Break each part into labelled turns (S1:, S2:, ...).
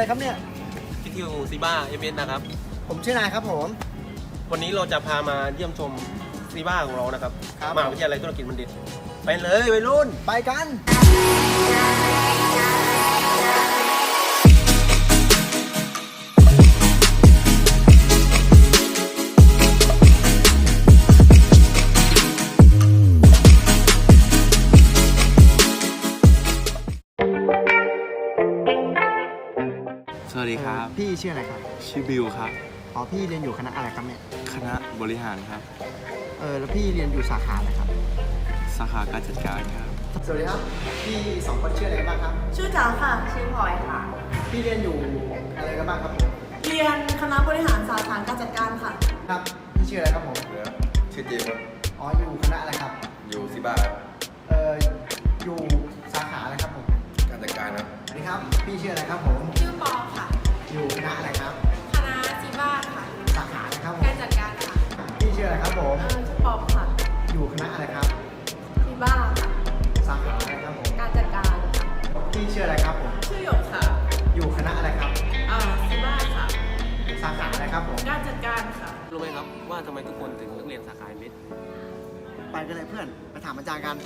S1: ครับเนี่ย
S2: พี่ทิวซีบ้าเอเวนนะครับ
S1: ผมชื่อนายครับผม
S2: วันนี้เราจะพามาเยี่ยมชมซีบ้าของเรานะครับมหาวิทยาลัยธุรกิจบัณฑิตไปเลยวัยรุ่น
S1: ไปกัน
S3: สวัสดีครับ
S1: พี่ชื่ออะไรครับ
S3: ชื่อบิวครับ
S1: อ๋อพี่เรียนอยู่คณะอะไรครับเนี่ย
S3: คณะบริหารครับ
S1: แล้วพี่เรียนอยู่สาขาอะไรครับ
S3: สาขาการจัดการครับ
S1: สวัสดีครับพี่สองคนชื่ออะไรกันบ้างครับ
S4: ชื่อจ๋าค่ะชื่อพลอยค่ะ
S1: พี่เรียนอยู่อะไรกันบ้างครับผม
S4: เรียนคณะบริหารสาขาการจัดการค่ะ
S1: ครับพี่ชื่ออะไรครับผม
S5: ชื่อเจมส์ครับ
S1: อ๋ออยู่คณะอะไรครับ
S5: อยู่ซีบ้าครับ
S1: อยู่สาขาอะไรครับผม
S5: การจัดการครับ
S1: สวัสดีครับพี่ชื่ออะไรครับผม
S6: ชื่อปอค่ะ
S1: อยู่คณะอะไรครับ
S6: คณะซีบ้าค่ะ
S1: สาขาอะไรครับ
S6: การจัดการค่ะ
S1: พี่ชื่ออะไรครับผม
S6: ชื่อปอค่ะ
S1: อยู่คณะอะไรครับ
S6: ซีบ้าค่ะ
S1: สาขาอะไรครับผม
S6: การจัดการ
S1: พี่ชื่ออะไรครับผม
S6: ชื่อหยกค่ะ
S1: อยู่คณะอะไรครับ
S6: ซีบ้าค่ะ
S1: สาขาอะไรครับผม
S6: การจัดการค่ะ
S2: รู้ไหมครับว่าทำไมทุกคนถึงเลือกเรียนสาขาเอเวน
S1: ไปกันเลยเพื่อนไปถามอาจารย์กัน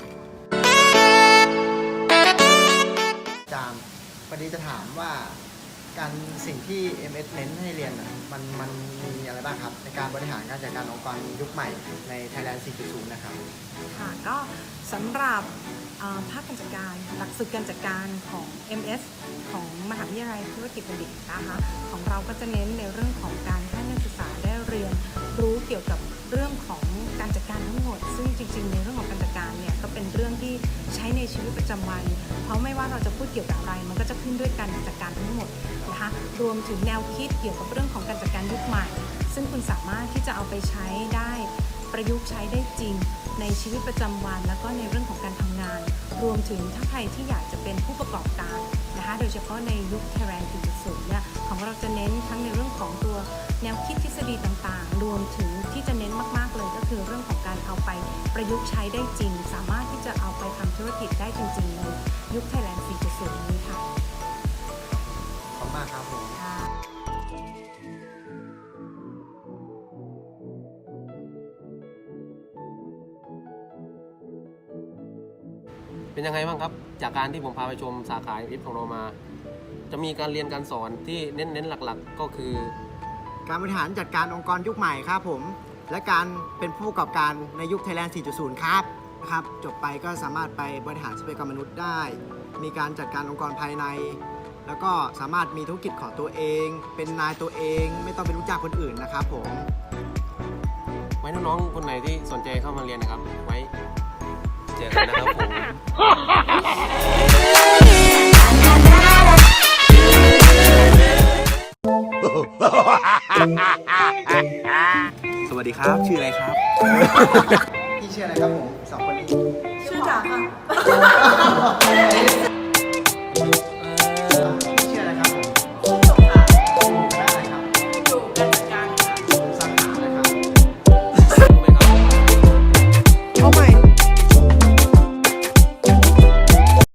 S1: อาจารย์วันนี้จะถามว่าการสิ่งที่ MS เน้นให้เรียนมันมีอะไรบ้างครับในการบริหารการจัดการองค์กรยุคใหม่ใน Thailand 4.0 นะครับ
S7: ค่ะก็สำหรับภาคการจัดการหลักสูตรการจัดการของ MS ของมหาวิทยาลัยธุรกิจบัณฑิตนะคะของเราก็จะเน้นในเรื่องของการให้นักศึกษาได้เรียนรู้เกี่ยวกับเรื่องของการจัดการทั้งหมดซึ่งจริงๆในเรื่องของการจัดการเนี่ยก็เป็นเรื่องที่ใช้ในชีวิตประจำวันเพราะไม่ว่าเราจะพูดเกี่ยวกับอะไรมันก็จะขึ้นด้วยการจัดการทั้งหมดนะคะรวมถึงแนวคิดเกี่ยวกับเรื่องของการจัดการยุคใหม่ซึ่งคุณสามารถที่จะเอาไปใช้ได้ประยุกต์ใช้ได้จริงในชีวิตประจำวันแล้วก็ในเรื่องของการทำงานรวมถึงถ้าใครที่อยากจะเป็นผู้ประกอบการนะคะโดยเฉพาะในยุค Thailand 4.0 เนี่ยของเราจะเน้นทั้งในเรื่องของตัวแนวคิดทฤษฎีต่างๆรวมถึงที่จะเน้นมากๆเลยก็คือเรื่องของการเอาไปประยุกต์ใช้ได้จริงสามารถที่จะเอาไปทำธุรกิจได้จริงๆในยุค Thailand 4.0 นี้ค่ะ
S1: ขอบคุณมากครับผม
S2: เป็นยังไงบ้างครับจากการที่ผมพาไปชมสาขาเอฟของเรามาจะมีการเรียนการสอนที่เน้นหลักๆก็คือ
S1: การบริหารจัดการองค์กรยุคใหม่ครับผมและการเป็นผู้ประกอบการในยุค Thailand 4.0 ครับนะครับจบไปก็สามารถไปบริหารทรัพยากรมนุษย์ได้มีการจัดการองค์กรภายในแล้วก็สามารถมีธุรกิจของตัวเองเป็นนายตัวเองไม่ต้องเป็นลูกจ้างคนอื่นนะครับผม
S2: ไว้น้องๆคนไหนที่สนใจเข้ามาเรียนนะครับไว้เจอกันนะครับผม
S3: สวัสดีครับชื่ออะไรครับ
S1: พี่ชื่ออะไรครับผมสองคนนี้
S4: ชื่อจ๋าค่ะ